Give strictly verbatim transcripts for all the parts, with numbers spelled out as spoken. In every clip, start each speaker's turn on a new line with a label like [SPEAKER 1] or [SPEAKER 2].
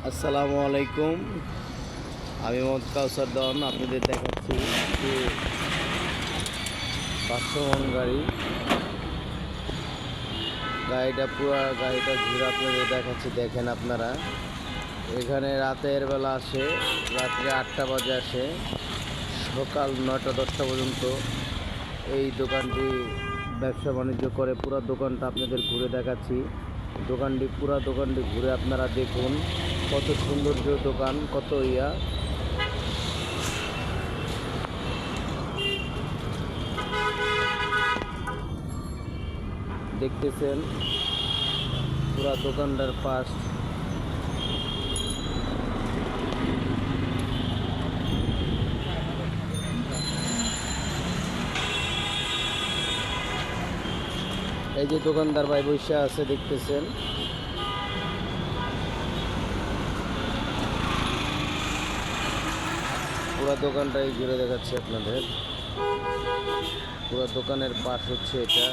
[SPEAKER 1] আসসালামু আলাইকুম। আমি মোহাম্মদ কাউসার দন আপনাদের দেখাচ্ছি যে পাঁচশো মন গাড়ি গাড়িটা পুরো গাড়িটা ঘুরে আপনাদের দেখাচ্ছি। দেখেন আপনারা, এখানে রাতের বেলা আসে, রাত্রে আটটা বাজে আসে, সকাল নয়টা দশটা পর্যন্ত এই দোকানটি ব্যবসা বাণিজ্য করে। পুরো দোকানটা আপনাদের ঘুরে দেখাচ্ছি। দোকানটি পুরো দোকানটি ঘুরে আপনারা দেখুন কত সৌন্দর্য দোকান, কত ইয়া। দেখতেছেন পুরো দোকানটার পাশ। এই যে দোকানদার ভাই বসে আছে, দেখতেছেন। পুরো দোকানটাই ঘুরে দেখাচ্ছি আপনাদের। পুরো দোকানের পাশ হচ্ছে এটা।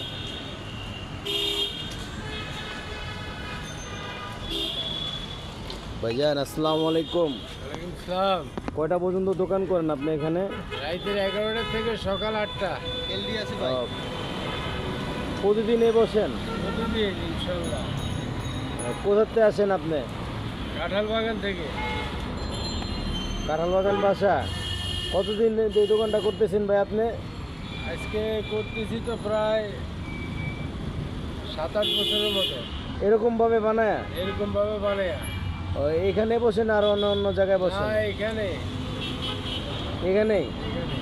[SPEAKER 1] ভাইজান আসসালামু আলাইকুম।
[SPEAKER 2] ওয়ালাইকুম সালাম।
[SPEAKER 1] কয়টা পর্যন্ত দোকান করেন আপনি এখানে?
[SPEAKER 2] রাতের এগারোটা থেকে সকাল আটটা। এলডি আছে ভাই।
[SPEAKER 1] আহ, প্রতিদিনই বসেন?
[SPEAKER 2] প্রতিদিন ইনশাল্লাহ।
[SPEAKER 1] কোথাতে আসেন আপনি?
[SPEAKER 2] কাঁঠাল বাগান থেকে।
[SPEAKER 1] কাঁঠাল বাগান বাসা। কতদিন এই দোকানটা করতেছেন ভাই আপনি?
[SPEAKER 2] আজকে করতেছি তো প্রায় সাত আট বছরের মতো।
[SPEAKER 1] এরকমভাবে বানায়?
[SPEAKER 2] এরকমভাবে বানায়।
[SPEAKER 1] ও, এখানে বসেন আর অন্য অন্য জায়গায় বসেন?
[SPEAKER 2] না, এখানে
[SPEAKER 1] এখানেই।
[SPEAKER 2] এখানে।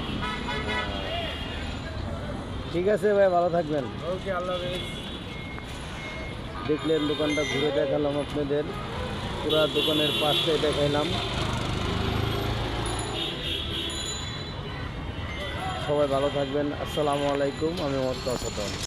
[SPEAKER 1] ঠিক আছে ভাই, ভালো থাকবেন।
[SPEAKER 2] ওকে, আল্লাহ হাফেজ।
[SPEAKER 1] দেখলেন দোকানটা ঘুরে দেখালাম আপনাদের, পুরা দোকানের পাশটাই দেখাইলাম। সবাই ভালো থাকবেন। আসসালামু আলাইকুম। আমি মোহাম্মদ কাউসার।